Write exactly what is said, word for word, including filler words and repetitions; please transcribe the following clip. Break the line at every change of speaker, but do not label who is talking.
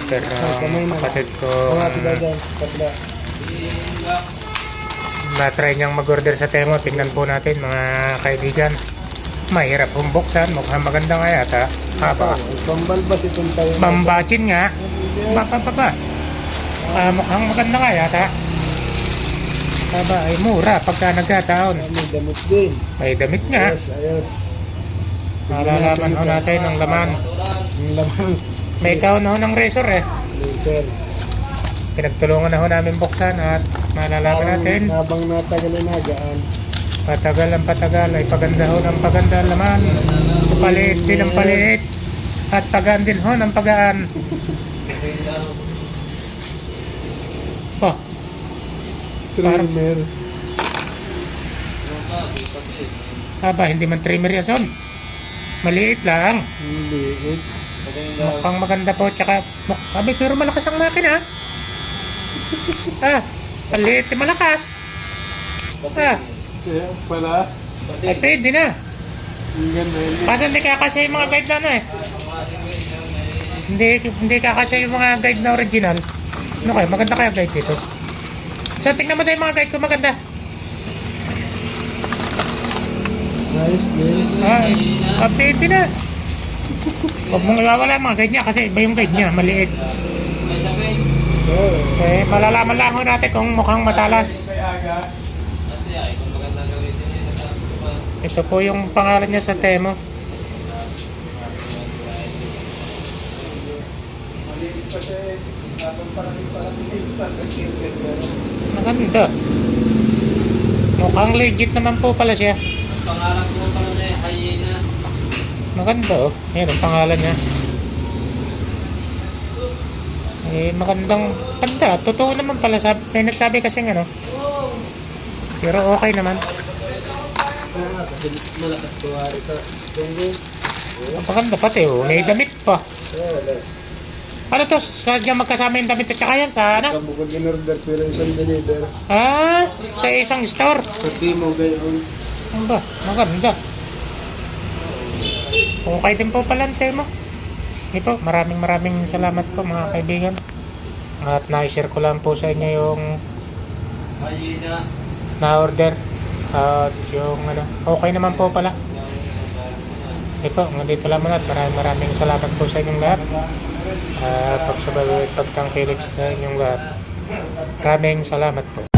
order ng kapatid ko. Na-try niyang mag-order sa Temo. Tingnan po natin mga kaibigan. Mahirap pong buksan. Mukhang maganda nga yata. Haba.
Pambalbas itong tayo.
Bambachin nga. Baba, baba. Uh, mukhang maganda nga yata. Haba ay mura pagka nagkataon.
May damit din.
May damit nga.
Ayos, ayos.
Malalaman ho natin ang laman.
Ang laman.
May kaon ho ng razor eh.
Later.
Pinagtulungan na ho namin buksan at malalaman natin.
Habang natagal na nagaan.
Patagal ang patagal ay paganda ho ng paganda ang laman. Paliit din ang paliit. At pagaan din ho ng pagaan. Oh.
Trimmer.
Aba, hindi man trimmer yan son. Maliit lang.
Maliit.
Mukhang maganda po. Tsaka, muk sabi, pero malakas ang makina. Ah, maliit eh, malakas. Ah,
Kaya pala.
ay pwede na.
Ang ganda yun.
Paano hindi kakasya yung mga guide na ano eh? Hindi, hindi kakasya yung mga guide na original. Ano kayo? Maganda kaya guide dito? So, tingnan mo tayo yung mga guide ko maganda.
Nice din.
Ay, ah, pwede na. Huwag mong iwawala yung mga guide niya kasi iba yung guide niya, maliit.
Oh.
Eh, malalaman lang ho natin kung mukhang matalas. Ito po yung pangalan niya sa Temo. Maganda. Mukhang legit naman po pala siya.
Pangalan ko pala na yung hyena.
Maganda oh. Ayan ang pangalan niya. Eh, magandang ganda. Totoo naman pala. Sabi, may nagsabi kasi ano. Pero okay naman.
Malakas kuwari sa tunggo.
Maganda pati oh. May damit pa. Ano to? Sadya magkasama yung damit at saka yan sa ano?
Kabukod in order pero isang deliver.
Ah, sa isang store.
Sa Timo gayon.
Ano ba? Maganda. Okay din po pala ang Temo. Hindi po, maraming maraming salamat po mga kaibigan. At na-share ko lang po sa inyo yung
Hyena.
na-order. At yung ano, okay naman po pala. Hindi po, nandito lang muna at maraming maraming salamat po sa inyong lahat. Uh, pagsabay at pagtangkilig sa inyong lahat. Maraming salamat po.